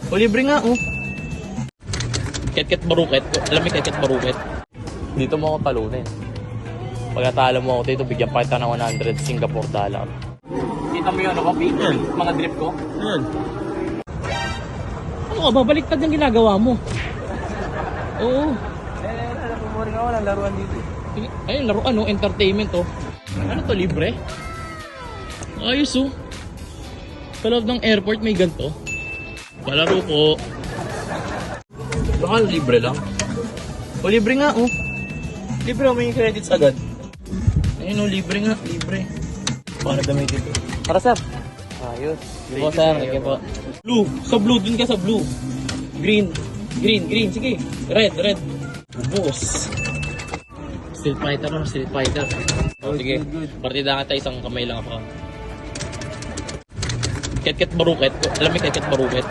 O libre nga, oh. Ket-ket baruket. Alam mo ket-ket baruket? Dito mo ako talunin. Pagkatalo mo ako dito, bigyan pa kita ng 100 Singapore dollar. Kita mo yun, ako, Pete? Yan. Mga drip ko? Yan. Ano ka, babaliktad yung ginagawa mo. Oo. Napumoring ako ng laruan dito. Ayun, laruan, oh, entertainment, oh. Ano to, libre? Ayos, oh. Sa loob ng airport may ganito. Palaro ko. Baka libre lang. O libre nga, oh. Libre mo yung credits agad. Ayun, oh, libre nga, libre. Paano gamitin ito? Para sir. Ayos. Sige po, sir. Sige po. Blue. Sa blue, dun ka sa blue. Green. Green, green. Sige. Red, red. Boss. Street fighter naman, street fighter. Oh, sige. Partida ka tayo, isang kamay lang ako. Ket-ket baruket. Alam mo ket-ket baruket?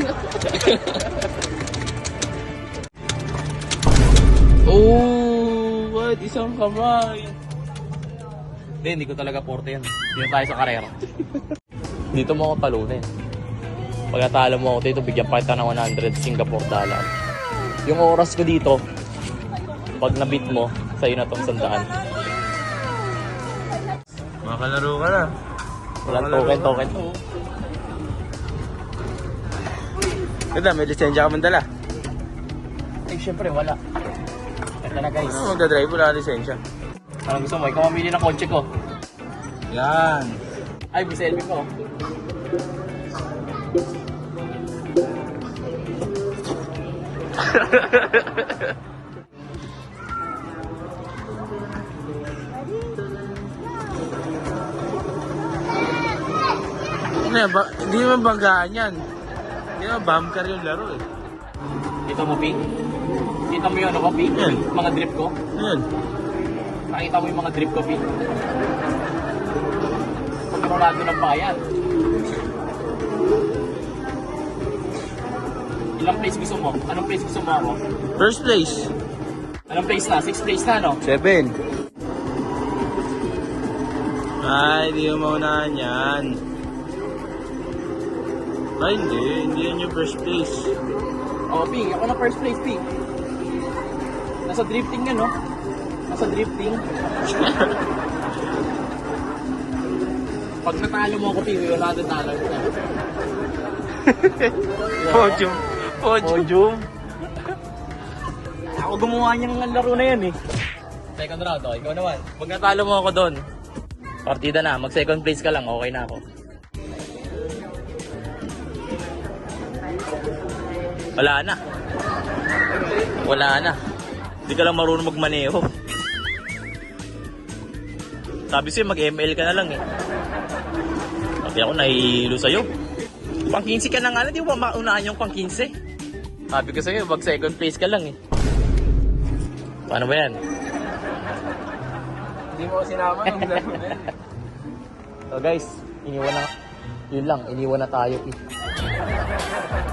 Oh, what? Isang kamay. Hindi ko talaga porte yan. Dito tayo sa karera. Dito mo ako talunin. Pagkatalo mo ako dito, bigyan pa kita ng 100 Singapore dollar. Yung oras ko dito, pag nabit mo, sa'yo na itong 100. Makalaro ka na. Walang token. Ganda, may lisensya ka man dala. Eh, syempre, wala. Ito na, guys. Ano magdadrive? Wala ka lisensya. Ano gusto mo? Ikaw mamili ng kotse ko. Yan. Ay, may selfie ko. Hindi naman banggaan yan. Hindi naman bomb car yung laro eh. Kita mo, Pink? Kita mo yun, ako, Pink? Yan. Mga drip ko? Yan. Nakita mo yung mga drip ko, Pink? Pagkarolado ng bayan. Ilang place gusto mo? Anong place gusto mo ako? First place. Anong place na? 6th place na, no? 7. Ay, di mo maunahan yan. Ay, hindi yan yung first place. Oh, Pink, ako na first place, Pink. Nasa drifting yan, no? Nasa drifting. Pag natalo mo ako, Pink, wala na talo. Podium. Podium. Ako gumawa niyang laro na yan, eh. Second round, okay. Ikaw naman. Pag natalo mo ako doon, partida na. Mag second place ka lang, okay na ako. Wala na. Wala na. Hindi ka lang marunong magmaneho. Sabi sa'yo, mag-ML ka na lang eh. Sabi ako, nahihilo sa'yo. Pang 15 ka na nga, hindi mo ba maunahan yung pang 15? Sabi ko sa'yo, mag second place ka lang eh. Paano ba yan? Hindi mo sinama yung laro na yan. So guys, iniwan na. Yun lang, iniwan na tayo eh.